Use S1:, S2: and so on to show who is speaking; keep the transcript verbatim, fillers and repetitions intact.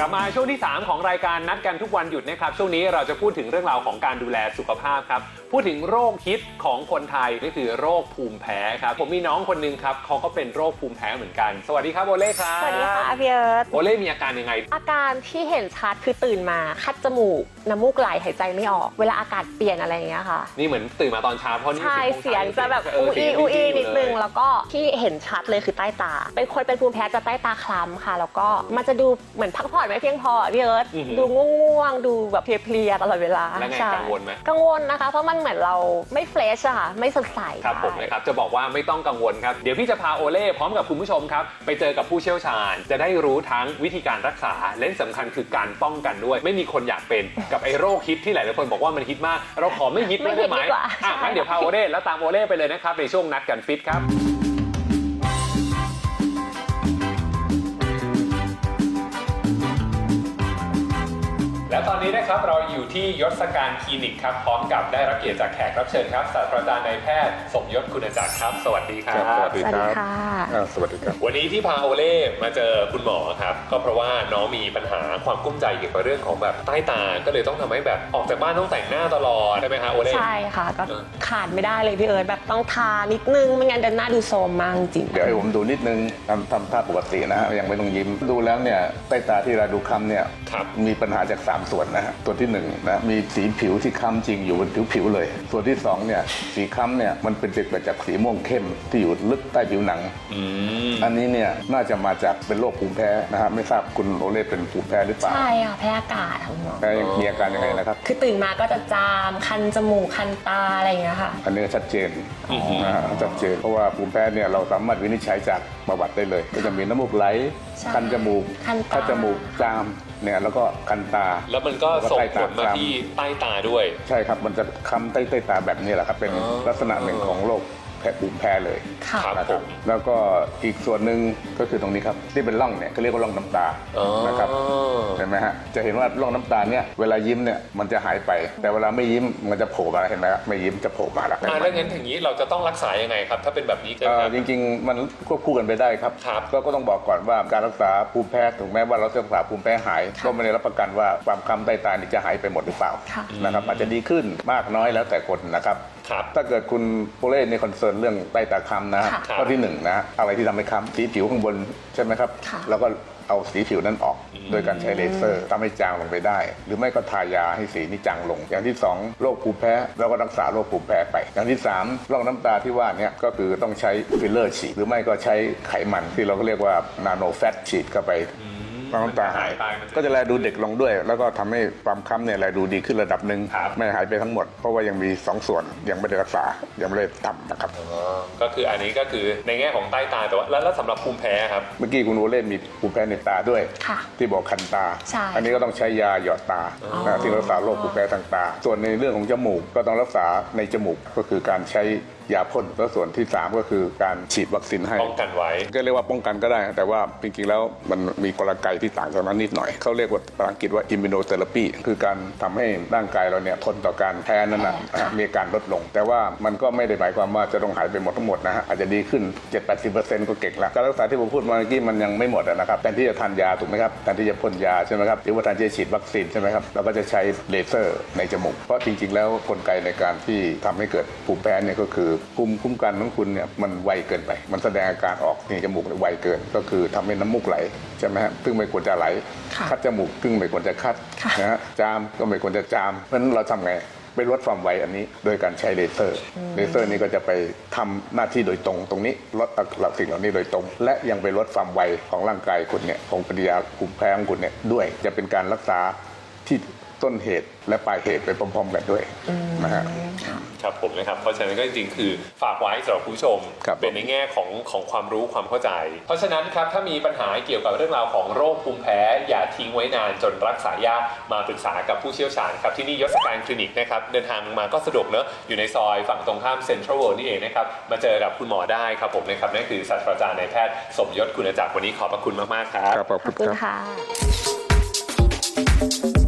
S1: กลับมาช่วงที่สามของรายการนัดกันทุกวันหยุดนะครับช่วงนี้เราจะพูดถึงเรื่องราวของการดูแลสุขภาพครับพูดถึงโรคฮิตของคนไทยนี่คือโรคภูมิแพ้ครับผมมีน้องคนนึงครับเขาก็เป็นโรคภูมิแพ้เหมือนกันสวัสดีครับโอเล่ครับ
S2: สวัสดีค่ะพี่เอิร์ธ
S1: โอเล่มีอาการยังไง
S2: อาการที่เห็นชัดคือตื่นมาคัดจมูกน้ำมูกไหลหายใจไม่ออกเวลาอากาศเปลี่ยนอะไรอย่างเงี้ยค่ะ
S1: นี่เหมือนตื่นมาตอนเช้าเพราะนี่
S2: ใช่เสียงจะแบบอูอีอูอีนิดนึงแล้วก็ที่เห็นชัดเลยคือใต้ตาเป็นคนเป็นภูมิแพ้จะใต้ตาคล้ำค่ะแล้วก็มันจะดูเหมือนพักผ่อนไม่เพียงพอพี่เอิร์ธดูง่วงๆดูแบบเพลียๆตลอดเวลา
S1: แล้วไงกังวลไหม
S2: กังวลนะคะเพราะมันเหมือนเราไม่เฟรชอะค่ะไม่สดใส
S1: ครับผมนะครับจะบอกว่าไม่ต้องกังวลครับเดี๋ยวพี่จะพาโอเล่พร้อมกับคุณผู้ชมครับไปเจอกับผู้เชี่ยวชาญจะได้รู้ทั้งวิธีการรักษาและสำคัญคือการป้องกันด้วยไม่มีคนอยากเป็นกับไอ้โรคฮิตที่หลายคนบอกว่ามันฮิตมากเราขอไม่ฮิตได้ไหมอ่ะงั้นเดี๋ยวพาโอเล่แล้วตามโอเล่ไปเลยนะครับในช่วงนัดกันฟิตครับและตอนนี้นะครับเราอยู่ที่ยศการคลินิกครับพร้อมกับได้รับเกียรติจากแขกรับเชิญครับศาสตราจารย์นายแพทย์สมยศคุณจักรครับสวัสดีครับ
S3: สวัสดีครับสวัสดีครับ
S1: วันนี้ที่พาโอเล่มาเจอคุณหมอครับก็เพราะว่าน้องมีปัญหาความกุ้มใจเกี่ยวกับเรื่องของแบบใต้ตาก็เลยต้องทำให้แบบออกจากบ้านต้องแต่งหน้าตลอดใช่ไหมคะโอเล่
S2: ใช่ค่ะก็ขาดไม่ได้เลยพี่เอิร์ธแบบต้องทานิดนึงไม่งั้นเดินหน้าดูโซมมากจริง
S3: เดี๋ยวให้ผมดูนิดนึงทำทำท่าปกตินะฮะยังไม่ต้องยิ้มดูแล้วเนี่ยใต้ตาที่เราดูคล้ำเนี่ยมีปัญหาจากสามส่วนนะฮะส่วนที่หนึ่งนะมีสีผิวที่คล้ำจริงอยู่บนผิวผิวเลยส่วนที่สองเนี่ยสีคล้ำเนี่ยมันเป็นเกิดจากสีม่วงเข้มที่อยู่ลึกใต้ผิวหนังอันนี้เนี่ยน่าจะมาจากเป็นโรคภูมิแพ้นะฮะไม่ทราบคุณโอเล่เป็นภูมิแพ้หรือเปล่า
S2: ใช่ค่ะแพ้อากาศค่ะคุณหมอ
S3: แพ้มีอาการยังไงนะครับ
S2: คือตื่นมาก็จะจามคันจมูกคันตาอะไรอย่างเงี้ยค่ะ
S3: อันนี้ชัดเจนนะฮะชัดเจนเพราะว่าภูมิแพ้เนี่ยเราสามารถวินิจฉัยจากประวัติได้เลยก็จะมีน้ำมูกไหลคันจมูกคันจมูกจามเนี่ยแล้วก็คันตา
S1: แล้วมันก็ส่งผลมาที่ใต้ตาด้วย
S3: ใช่ครับมันจะค้ำใต้ใต้ตาแบบนี้แหละครับเป็นลักษณะหนึ่งของโรคแพ้ภูมิแพ้เลยนะครับแล้วก็อีกส่วนหนึ่งก็คือตรงนี้ครับที่เป็นร่องเนี่ยเขาเรียกว่าร่องน้ำตานะครับเห็นไหมฮะจะเห็นว่าร่องน้ำตาเนี่ยเวลายิ้มเนี่ยมันจะหายไปแต่เวลาไม่ยิ้มมันจะโผล่มาเห็นไหมไม่ยิ้มจะโผล่มาแล้ว
S1: แล้วงั้นอย่างนี้เราจะต้องรักษายังไงครับถ้าเป็นแบบนี้
S3: จริงๆมันควบคู่กันไปได้ครับก็ต้องบอกก่อนว่าการรักษาภูมิแพ้ถึงแม้ว่าเราจะรักษาภูมิแพ้หายก็ไม่ได้รับประกันว่าความคล้ำใต้ตานี่จะหายไปหมดหรือเปล่านะครับอาจจะดีขึ้นมากน้อยแล้วแต่คนนะครับถ้าเกิดคุณโอเล่ในคอนเซิร์นเรื่องใต้ตาคล้ำนะข้อที่หนึ่งนะอะไรที่ทำให้คล้ำสีผิวข้างบนใช่ไหมครับแล้วก็เอาสีผิวนั้นออกโดยการใช้เลเซอร์ทำให้จางลงไปได้หรือไม่ก็ทายาให้สีนี้จางลงอย่างที่สองโรคภูมิแพ้แล้วก็รักษาโรคภูมิแพ้ไปอย่างที่สามร่องน้ำตาที่ว่านี้ก็คือต้องใช้ฟิลเลอร์ฉีดหรือไม่ก็ใช้ไขมันที่เราก็เรียกว่านาโนแฟตฉีดเข้าไปน้ำตาหายก็จะแลดูเด็กลงด้วยแล้วก็ทำให้ความค้ำเนี่ยแลดูดีขึ้นระดับหนึ่งไม่หายไปทั้งหมดเพราะว่ายังมีสองส่วนยังไม่ได้รักษายังไม่ได้ทำนะครับ
S1: ก็คืออันนี้ก็คือในแง่ของใต้ตาแต่ว่าแล้วสำหรับภูมิแพ้ครับ
S3: เมื่อกี้คุณโอเล่มีภูมิแพ้ในตาด้วยที่บอกคันตาอันนี้ก็ต้องใช้ยาหยอดตาที่รักษาโรคภูมิแพ้ทางตาส่วนในเรื่องของจมูกก็ต้องรักษาในจมูกก็คือการใช้ยาพ่นแล้วส่วนที่สามก็คือการฉีดวัคซีนให้
S1: ป้องกันไว้
S3: ก็เรียกว่าป้องกันก็ได้แต่ว่าจริงๆแล้วมันมีกลไกที่ต่างจากนั้นนิดหน่อยเขาเรียกว่าภาษาอังกฤษว่า immunotherapy คือการทำให้ร่างกายเราเนี่ยทนต่อการแพ้นั้นนะมีการลดลงแต่ว่ามันก็ไม่ได้หมายความว่าจะต้องหายไปหมดทั้งหมดนะฮะอาจจะดีขึ้น เจ็ดถึงแปดสิบเปอร์เซ็นต์ ก็เก่งละการรักษาที่ผมพูดเมื่อกี้มันยังไม่หมดนะครับแทนที่จะทานยาถูกไหมครับแทนที่จะพ่นยาใช่ไหมครับหรือว่าแทนที่จะฉีดวัคซีนใช่ไหมครับเราก็จะใช้เลเซอร์ในจมูกเพราะจริงๆแล้วกลไกในการที่ทำให้เกิดภูมิแพ้เนี่ยก็คือภูมิคุ้มกันของคุณเนี่ยมันไวเกินไปมันแสดงอาการออกในจมูกไวเกินก็คือทำให้น้ำมูกไหลใช่ไหมฮะซึ่งไม่ควรจะไหลคัดจมูกซึ่งไม่ควรจะคัดนะฮะจามก็ไม่ควรจะจามเพราะฉะนั้นเราทำไงไปลดความไวอันนี้โดยการใช้เลเซอร์เลเซอร์นี้ก็จะไปทำหน้าที่โดยตรงตรงนี้ลดสิ่งเหล่านี้โดยตรงและยังไปลดความไวของร่างกายคุณเนี่ยของปฏิกิริยาภูมิแพ้ของคุณเนี่ยด้วยจะเป็นการรักษาที่ต้นเหตุและปลายเหตุไปพร้อมๆกันด้วยนะฮะ
S1: ครับผมนะครับเพราะฉะนั้นก็จริงๆคือฝากไว้สำหรับผู้ชมเป็นในแง่ของของความรู้ความเข้าใจเพราะฉะนั้นครับถ้ามีปัญหาเกี่ยวกับเรื่องราวของโรคภูมิแพ้อย่าทิ้งไว้นานจนรักษายากมาปรึกษากับผู้เชี่ยวชาญครับที่นี่ยศการคลินิกนะครับเดินทางมาก็สะดวกเนอะอยู่ในซอยฝั่งตรงข้ามเซ็นทรัลเวิลด์นี่เองนะครับมาเจอกับคุณหมอได้ครับผมนะครับนั่นคือศาสตราจารย์นายแพทย์สมยศคุณจักรวันนี้ขอบพระคุณมากๆครับ
S3: ขอบคุณค่ะ